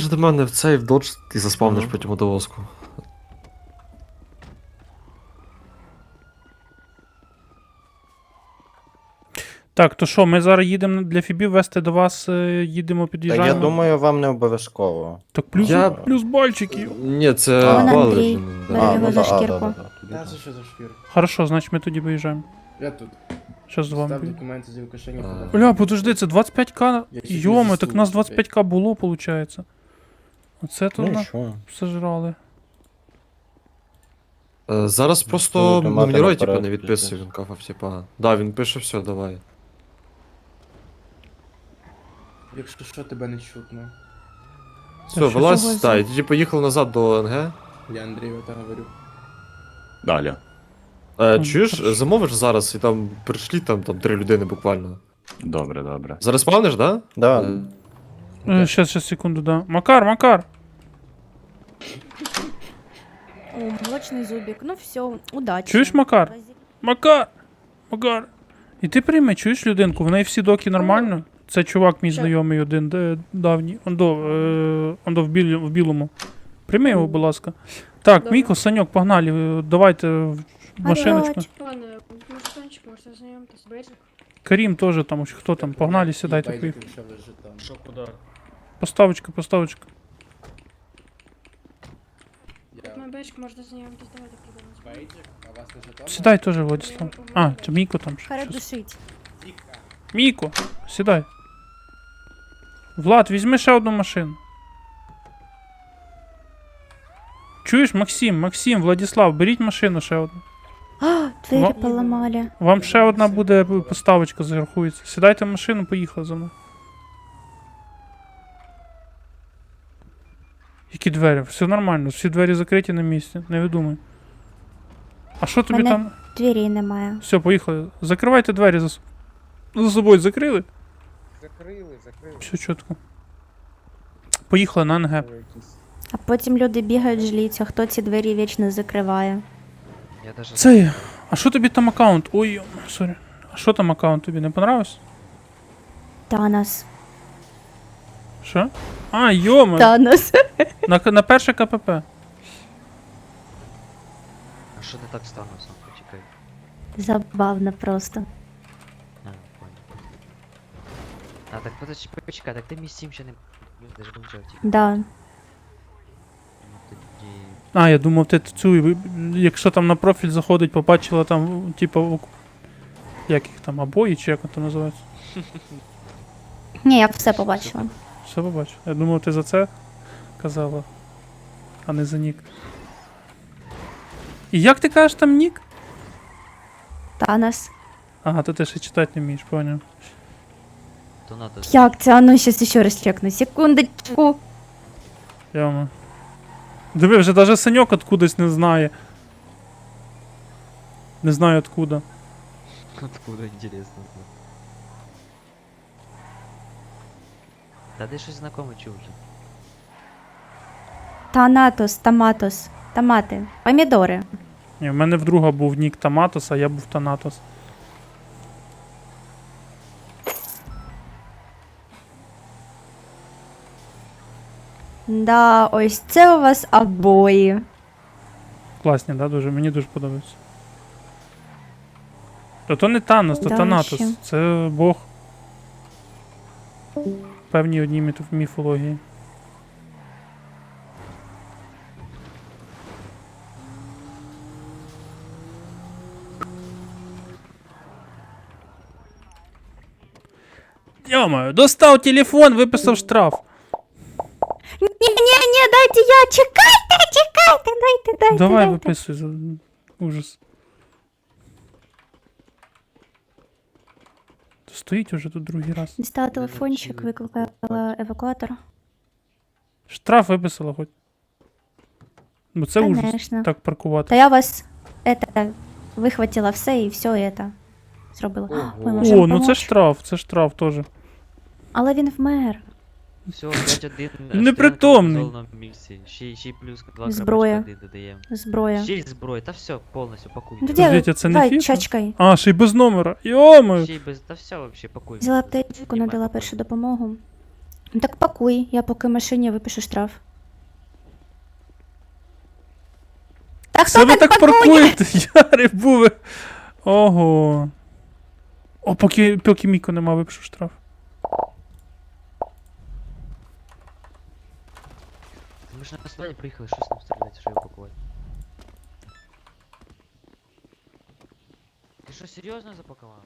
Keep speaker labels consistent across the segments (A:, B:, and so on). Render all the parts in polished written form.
A: до мене в цей в додж і заспавниш
B: Ага.
A: потім водолазку.
C: Так, то що, ми зараз їдемо для Фібів вести до вас, їдемо,
B: Та
C: під'їжджаємо.
B: я думаю, вам не обов'язково.
C: Так плюс,
A: Я-
C: плюс бальчиків.
A: Ні, це
B: А,
D: Вон
A: бали
D: Андрій.
A: вже,
D: Бере
A: да.
D: його за
B: да,
D: шкірку.
B: да, тоді
E: Та
B: так.
E: це що за шкір?
C: Хорошо, значить ми тоді виїжджаємо.
E: Я тут.
C: Що з вами?
E: Став
C: буде?
E: документи з Лукашенка.
A: А.
E: подав.
C: Бля, подожди, це 25к?
E: Я ще
C: Йоми,
E: плюс
C: так у нас
E: заслуги
C: 25к було, виходить. Оце то
B: Ну
C: на...
B: і що?
C: сожрали.
A: Зараз просто
B: Будете мати
A: Мумнірой, типа,
B: наперед
A: не відписує,
B: якийсь.
A: він кафав, типа. Да, він пише, все, давай.
E: Якщо що, тебе не чутно.
A: Все,
C: що
A: вилазь,
D: за-
A: та, і тоді поїхали назад до НГ.
E: Я Андрію так говорю.
B: Далі.
A: Чуєш,
C: хорошо.
A: замовиш зараз, і там прийшли там 3 людини буквально.
B: Добре, добре.
A: Зараз спавниш, да?
B: Да.
C: Щас, секунду, да. Макар!
D: О, молочный зубик. Ну все, удачи.
C: Чуєш, Макар? Макар! І ти прийми, чуєш людинку, в неї всі доки нормально? Це чувак мій
D: Що?
C: знайомий один, давній. Ондо в білому. Прийми його, будь ласка. Так,
F: Добре.
C: Міко, Саньок, погнали, давайте в машиночку.
D: Орать.
F: Ладно, мужичончик, можете знайомитись. Бейджик.
C: Карім теж там, хто там, погнали, сідайте,
E: Байдик,
C: поїхали.
E: що лежить там.
G: Що куди?
C: Поставочка.
E: Я...
F: Мой бейджик, можете знайомитись. Давайте придумаємо.
E: Байдик? А вас не жетон?
C: Сідай теж, Владислав. А, це Міко там.
D: Харе
C: щас.
D: душить.
C: Міко, сідай. Влад, візьми ще одну машину. Чуєш, Максим, Владислав, беріть машину ще одну.
D: А, двери
C: Ва-
D: поломали.
C: Вам ще одна буде поставочка зарахується. Сідайте в машину, поїхали за мною. Які двері? Все нормально, всі двері закриті на місці, не видумай. А що тобі
D: Мене-
C: там?
D: Дверей немає.
C: Все, поїхали. Закривайте двері за собою закрили?
G: Закрили.
C: Все чітко. Поїхали на НГ.
D: А потім люди бігають, жаліються, хто ці двері вічно закриває.
C: Це. А що тобі там аккаунт? Ой, сорі. А що там аккаунт тобі не понравився?
D: Танос.
C: Що? А, йома.
D: Танос.
C: На перше КПП.
H: А що не так стануться? Почекай.
D: Забавно просто.
H: А, понял. А, так почекай, так ти мій сім ще не... Я ж думав, тільки.
D: Да.
H: Ну, тоді...
C: А, я думав, ти цю, якщо там на профіль заходить, побачила там, типу, як їх там, обої, чи як це називається?
D: Ні, я все побачила.
C: Все побачив. Я думав, ти за це казала, а не за нік. І як ти кажеш там нік?
D: Танос.
C: Ага, то ти ще читати не вмієш, поняв.
H: То надо...
D: Як це? А ну, щас ще раз чекну. Секундочку.
C: Яма. Диви, вже навіть Саньок откудись не знає. Не знаю откуда.
H: Откуда, интересно. Та де щось знакоме чув вже.
D: Танатос, томатос. Томати. Помідори.
C: Ні, в мене вдруга був нік Томатос, а я був Танатос.
D: Да, ось це у вас обої.
C: Класні, да, дуже? Мені дуже подобається. То не Танос, то
D: Да,
C: Танатос.
D: ще.
C: Це Бог. Певній одній міфології. Йомаю, достав телефон, виписав штраф.
D: Ні, дайте я, чекайте, дайте.
C: Давай
D: дайте.
C: виписуй. Ужас. Стоїть уже тут другий раз.
D: Дістала телефончик, викликала евакуатор.
C: Штраф виписала хоч. Бо це ужас.
D: Конечно.
C: Так паркувати.
D: Та я вас, вихватила все і все это зробила.
E: Ого.
D: Ми можемо
C: О, ну
D: помочь.
C: це штраф теж.
D: Але він вмер.
H: Все, 5-1.
C: Непритомний.
H: Ще й плюс 2
D: Зброя.
H: додаємо.
D: Зброя.
H: Ще й зброя, та все, повністю пакуй.
D: Ну,
C: Подождіть, а це не
D: давай,
C: фіфа?
D: чачкай.
C: А, ще й без номера. Йомаю.
H: Ще й без... Та все вообще пакуй.
D: Взяла аптечку, надала першу допомогу. Ну так пакуй, я поки в машині випишу штраф. Та
C: Це
D: хто
C: ви
D: так
C: так
D: пакує?
C: паркуєте, Яри були. Ого. О, поки Міко нема, випишу штраф.
H: Ми ж на останнє приїхали, щось нам стріляти, що його пакувати. Ти що, серйозно запакував?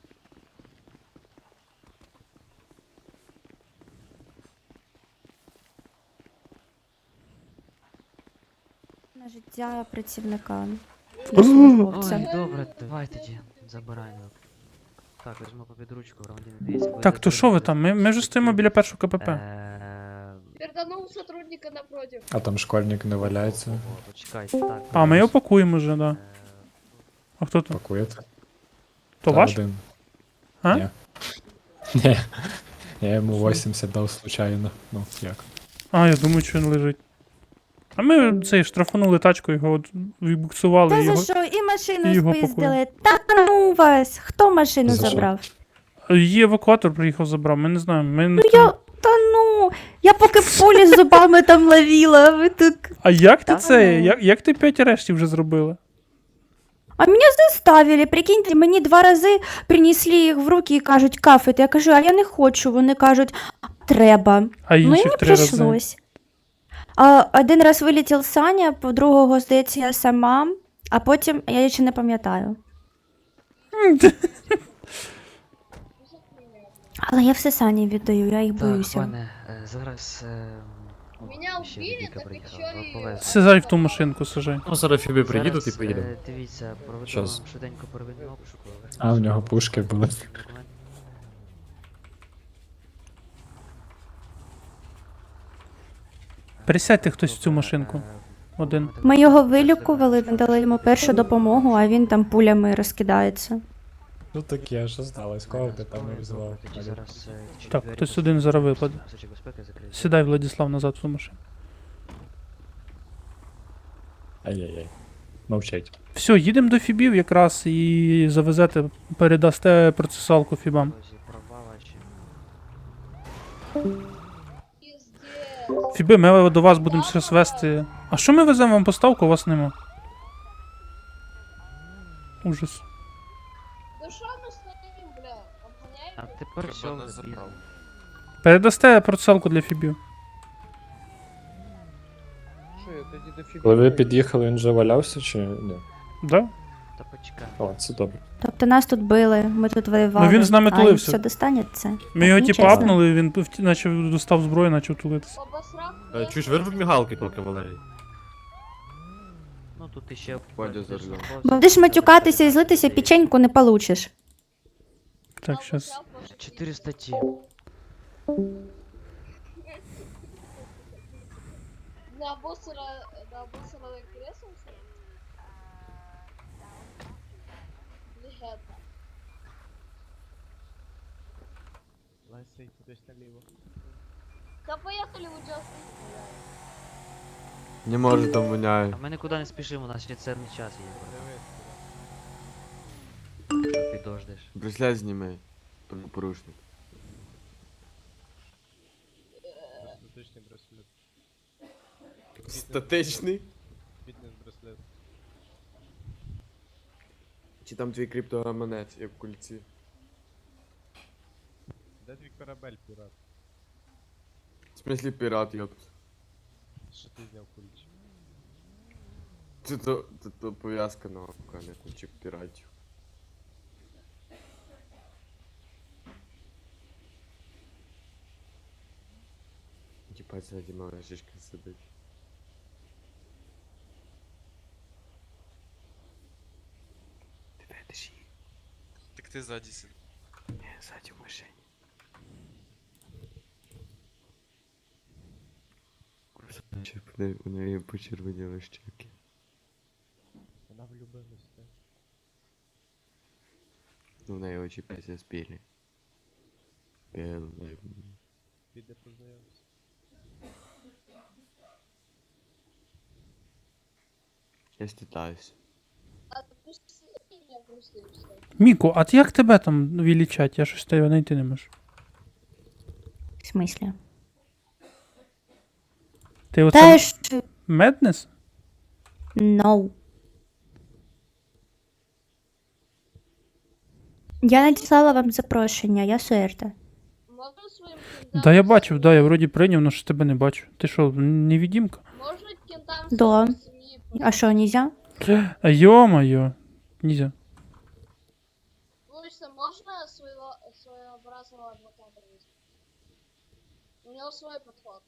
D: На життя працівника.
C: Ой,
D: Службовця.
H: Ой, добре, давай тоді, забирай. Ну. Так, візьму під ручку, громадянин, дивіться. коли
C: Так, то що ви
H: затримуєте
C: там? Ми вже стоїмо біля першого КПП.
F: Перданул сотрудника напротив.
G: А там школьник не валяється.
H: О, почекайте, так.
C: А, ми його пакуємо вже, да.
H: Е,
C: А хто там?
G: Пакуєте?
C: То
G: Та
C: ваш?
G: один.
C: А?
G: Ні. Ні. Я йому 80 дав случайно. Ну, як?
C: А, я думаю, що він лежить. А ми цей штрафанули тачку, його от відбуксували
D: Та
C: його.
D: за що? І машину
C: його
D: спиздили. Та ну вас! Хто машину
G: За що?
D: забрав?
C: Її евакуатор приїхав, забрав. Ми не знаємо. Ми...
D: Ну я. Та ну! Я поки в полі з зубами там ловила, а ви тут.
C: А як ти
D: Та
C: це?
D: ну.
C: Як ти 5 арештів вже зробила?
D: А мене заставили, прикиньте, мені 2 рази принесли їх в руки і кажуть, кафет. Я кажу, а я не хочу. Вони кажуть, треба.
C: А
D: Ну і
C: інших
D: не
C: 3 рази.
D: прийшлось. А, один раз вилетів Саня, по другого, здається, я сама, а потім я ще не пам'ятаю. Але я все Сані віддаю, я їх
H: Так,
D: боюся.
H: пане, зараз...
F: Меня
H: ще
F: убили,
H: Віка
F: так
H: приїхала,
F: еще и-
H: повезли.
C: Сідай в ту машинку, сажай.
A: Ну, зараз Фібі приїдуть і
H: Зараз,
A: поїдемо.
H: Дивіться, проведу
A: Щас.
H: вам швиденько первинний обшук.
G: А, в нього пушки були.
C: Пересядьте хтось в цю машинку. Один.
D: Ми його вилікували, надали йому першу допомогу, а він там пулями розкидається.
G: Ну таке, що сталося? Кого ти там не взвав?
C: Так, хтось один зараз випаде. Сідай, Владислав, назад в ту машину.
G: Ай-яй-яй. Мовчать.
C: Все, їдемо до Фібів якраз і завезете, передасте процесуалку Фібам.
F: Пиздец.
C: Фіби, ми до вас будемо зараз вести. А що ми веземо вам поставку, у вас нема? Ужас.
F: Да что мы стоим, бля? Обгоняем?
H: А тепер все,
C: Передасте процесуалку для Фібів.
E: Що, я тоді до Фібі
G: Коли ви
E: поїду?
G: під'їхали, він вже валявся чи ні?
C: Да?
H: Та почекай.
G: О, це добре.
D: Тобто нас тут били, ми тут воювали.
C: Ну, він з нами
D: а
C: тулився.
D: все достанеться.
C: Ми його
D: Так,
C: типа
D: нечесно.
C: апнули, він наче достав зброю, почав тулитися.
F: Обосрав.
A: Чуєш, вирви мігалки тільки, Валерій.
H: Ну тут іще...
A: Водя за рулем.
D: Будеш матюкатися і злитися, печеньку не получиш.
C: Так, щас.
H: 4 статті.
F: На обосранное кресло? Легенда. Да поехали в Джастин.
I: Не може там воняє.
H: А ми нікуди не спішимо, у нас ще цінний час є. Підождеш.
I: Браслет зніми. Порушник. Статичний? Чи там твій криптогаманець, як в кульці?
J: Де твій корабель, пірат?
I: В смислі пірат, йопт.
J: Що ти зняв кульч?
I: Це пов'язка на кульчик піратів. Типа ззаді мала жишка сидить. Ти ведеш її?
J: Так ти ззаді сиди.
I: Ні, ззаді в машині. У неї почервоніли щеки.
J: Вона влюбилась, так?
I: Ну, в неї очі після спілі. Білий.
J: Піде познайомився.
I: Я стітаюсь.
F: А ты меня просто и всё.
C: Міко, а як тебе там вилічать? Я щось тебе знайти не можу.
D: В смислі?
C: Ти оце
D: Теж
C: Меднес?
D: no. Я надіслала вам запрошення, я Суерта.
F: Можна своїм кентам...
C: Да, я бачив, да, я вроді прийняв, але ж тебе не бачу. Ти що, невідімка?
F: Можна кентам
D: Да.
F: свої...
D: А що, нельзя?
C: Йо-моє. Нельзя.
F: Вулиця, можна своєобразного адвоката візьти? У нього свій підход.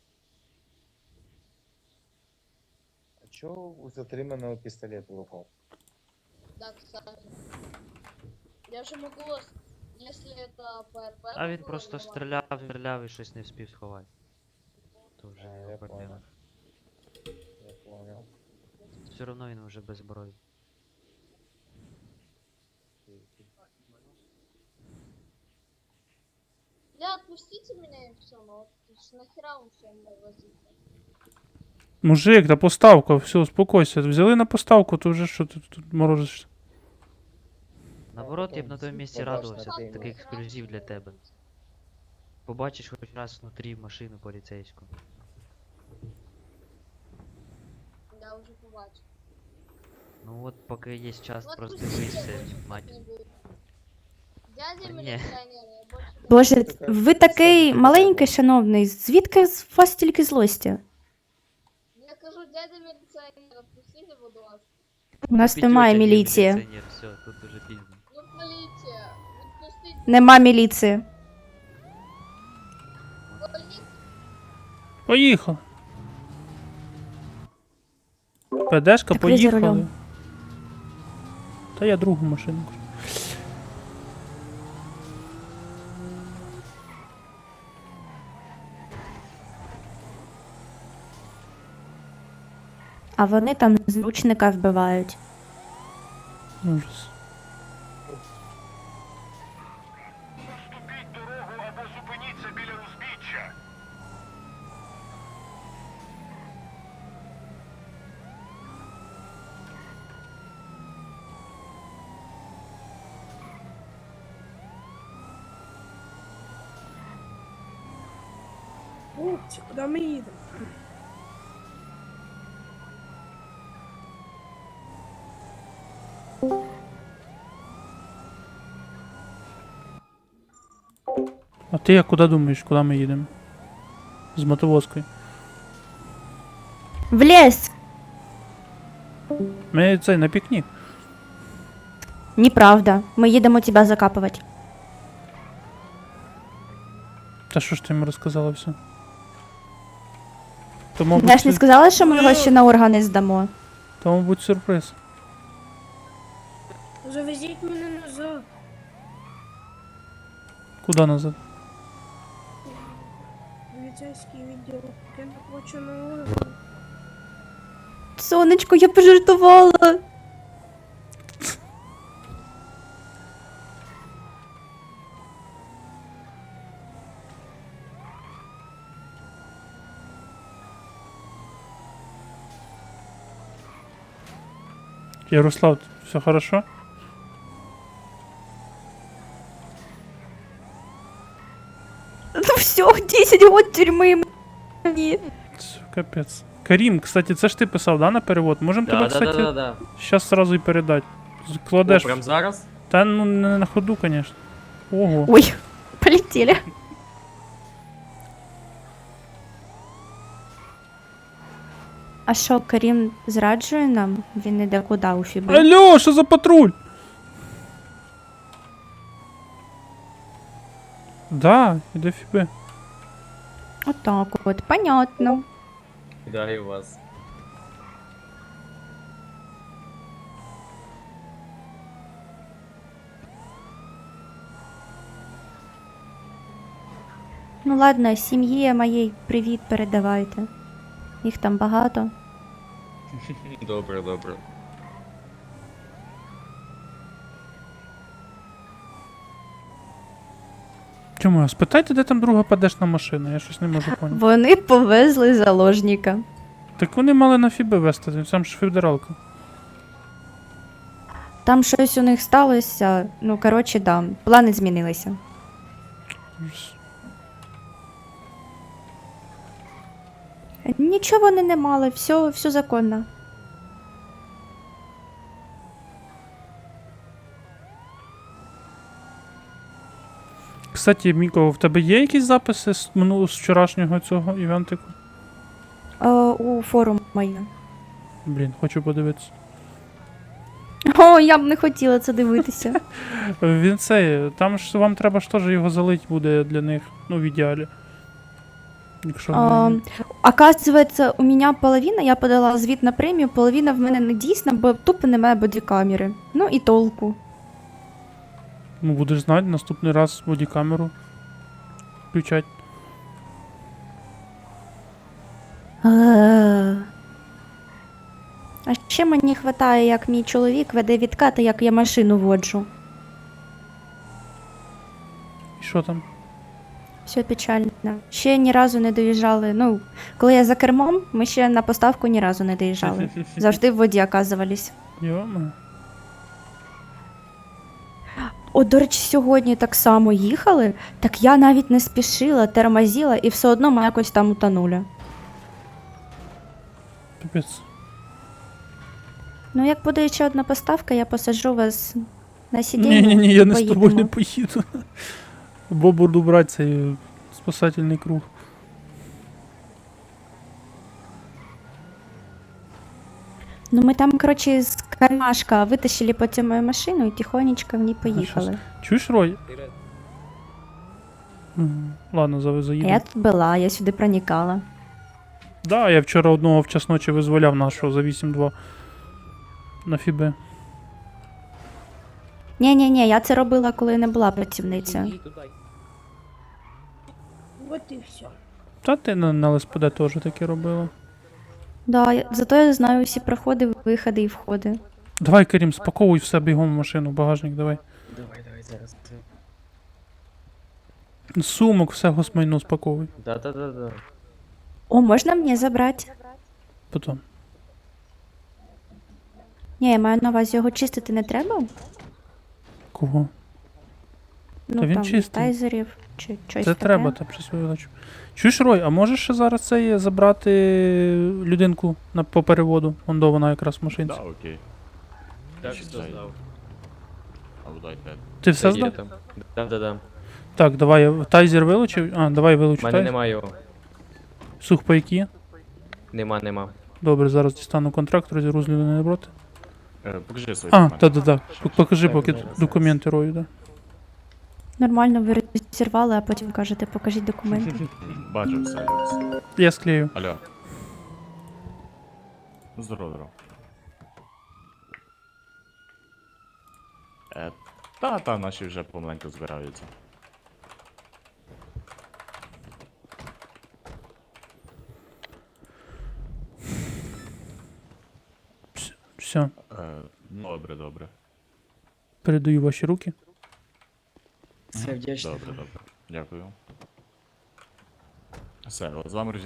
B: А чого у затриманого пістолет в руках?
F: Да, кстати. Я же могу, если это ПРП...
H: А він
F: было,
H: просто
F: нормально.
H: стріляв і щось не вспів сховати. То вже
B: А,
H: його
B: я
H: проблема.
B: Я понял.
H: Все одно він вже без зброї.
F: Бля, отпустите меня и все, ну вот нахера вы все мной возите?
C: Мужик, та поставка, все, успокойся. Взяли на поставку, то вже що ти тут морозишся?
H: Наоборот, я б
B: потім
H: на тому місці
B: побачиш
H: радувався,
B: на
H: такий
B: тему.
H: ексклюзив для тебе. Побачиш хоч раз внутрі машину поліцейську.
F: Я уже побачу.
H: Ну от поки є час,
F: Ну,
H: просто
F: отпустите,
H: дивися,
F: больше
H: мать.
F: не буду. Дядя
H: Да не.
F: милиционер, я больше не
D: Боже,
B: така
D: ви такий
B: підстава.
D: маленький, шановний. Звідки з вас стільки злості?
F: буду. Я кажу, дядя милиционер, отпустите, буду вас.
D: У нас немає
H: Петюня,
D: міліції.
H: міліціонер, все, тут уже пізно.
F: Ну, полиция, отпустите.
D: Нема міліції.
F: Полиция.
C: Поїхали. ПДшка,
D: Так ви за
C: поїхали.
D: рулем.
C: Та я другу машину. кажу.
D: А вони там зручника вбивають.
C: Ужас.
E: Хлопці, куди ми їдемо?
C: А ти як куди думаєш, куди ми їдемо? З мотовозкою.
D: В ліс!
C: Ми цей на пікнік.
D: Неправда. Ми їдемо тебе закапувати.
C: Та що ж ти йому розказала все? То, мабуть,
D: Я ж не сказала, що ми його ще на органи здамо.
C: то, мабуть, сюрприз.
E: Завезіть мене назад.
C: Куди назад?
E: Поліцейський відділ. Я не хочу на орган.
D: Сонечко, я пожартувала.
C: Ярослав, все хорошо?
D: Ну все, 10 год тюрми мені.
C: Це капець. Карім, кстати, це ж ти писав, да, на перевод? Можемо тебе, кстати,
J: да.
C: щас сразу і передати. Кладеш.
J: Прям зараз?
C: Та ну не на ходу, конечно. Ого.
D: Ой, полетели. А що, Карім зраджує нам? Він іде куди у Фіби?
C: Алло, що за патруль? Да, іде фіби.
D: Отак от, понятно.
J: Вітаю вас.
D: Ну ладно, сім'ї моїй привіт передавайте. Їх там багато.
J: Добре, добре.
C: Чому? А спитайте, де там друга падешна машина, я щось не можу поняти.
D: Вони повезли заложника.
C: Так вони мали на фіби вести, там ж федералка.
D: Там щось у них сталося. Ну, коротше, да, плани змінилися.
C: Ужас.
D: Нічого вони не мали, все законно.
C: Кстати, Міко, в тебе є якісь записи з вчорашнього цього івентику?
D: У форум моє.
C: Блін, хочу подивитися.
D: О, я б не хотіла це дивитися.
C: Він цей, там ж вам треба ж теж його залить буде для них, ну в ідеалі. Якщо вони-
D: Оказывается, у меня половина, я подала звіт на премію, половина в мене не дійсна, бо тупо немає бодікамери. Ну і толку.
C: Ну будеш знати, наступний раз бодікамеру включать.
D: А ще мені хватає, як мій чоловік веде відкати, як я машину воджу.
C: І що там?
D: Все печально. Ще ні разу не доїжджали. Ну, коли я за кермом, ми ще на поставку ні разу не доїжджали. Завжди в воді оказувались.
C: Йома.
D: О, до речі, сьогодні так само їхали, так я навіть не спішила, тормозила і все одно ми якось там утонули.
C: Піпець.
D: Ну, як буде ще одна поставка, я посаджу вас на сидіння.
C: Ні, я не з тобою не
D: поїдемо.
C: поїду. Бо буду брати цей спасательний круг.
D: Ну, ми там, коротше, з кармашка витащили потім мою машину і тихонечко в ній поїхали.
C: Чуєш, Рой? Ладно,
D: А
C: заїду.
D: я тут була, я сюди проникала.
C: Да, я вчора одного в час ночі визволяв нашого за 8-2 на Фібе.
D: Ні, я це робила, коли не була працівницею.
E: Вот и все.
C: Та ти на ЛСПД теж таке робила.
D: Да, зато я знаю всі проходи, виходи і входи.
C: Давай, Карім, спаковуй все бігом в машину, багажник, давай.
J: Давай, зараз.
C: Сумок, все госмайно спаковуй.
J: Да.
D: О, можна мені забрати?
C: Потім.
D: Ні, я маю на увазі, його чистити не треба?
C: Кого?
D: Ну,
C: Та він
D: там,
C: чистий.
D: тайзерів чи щось
C: Це
D: таке.
C: треба, та при свою величу. Чуєш, Рой, а можеш ще зараз це є забрати людинку по переводу? Вон вона якраз в машинці.
K: окей.
J: Так, що здав.
C: Ти все
J: Є
C: здав?
J: там. Да.
C: Так, давай, я тайзер вилучив. А, давай
J: У
C: вилучу
J: мене
C: тайзер.
J: немає його.
C: Сухпайки.
J: Нема.
C: Добре, зараз дістану контракт, розірву з людини напроти.
K: Покажи свої
C: А, та. Покажи
J: Так,
C: поки
J: зараз.
C: документи Рою, да.
D: Нормально, ви розірвали, а потім кажете, покажіть документи.
K: Бачу все.
C: Я склею.
K: Алло. Здорово. Та, наші вже помаленьку збираються.
C: Все,
K: Добре.
C: передаю ваші руки.
J: Все вдячний.
K: Добре. Дякую. Все, з вами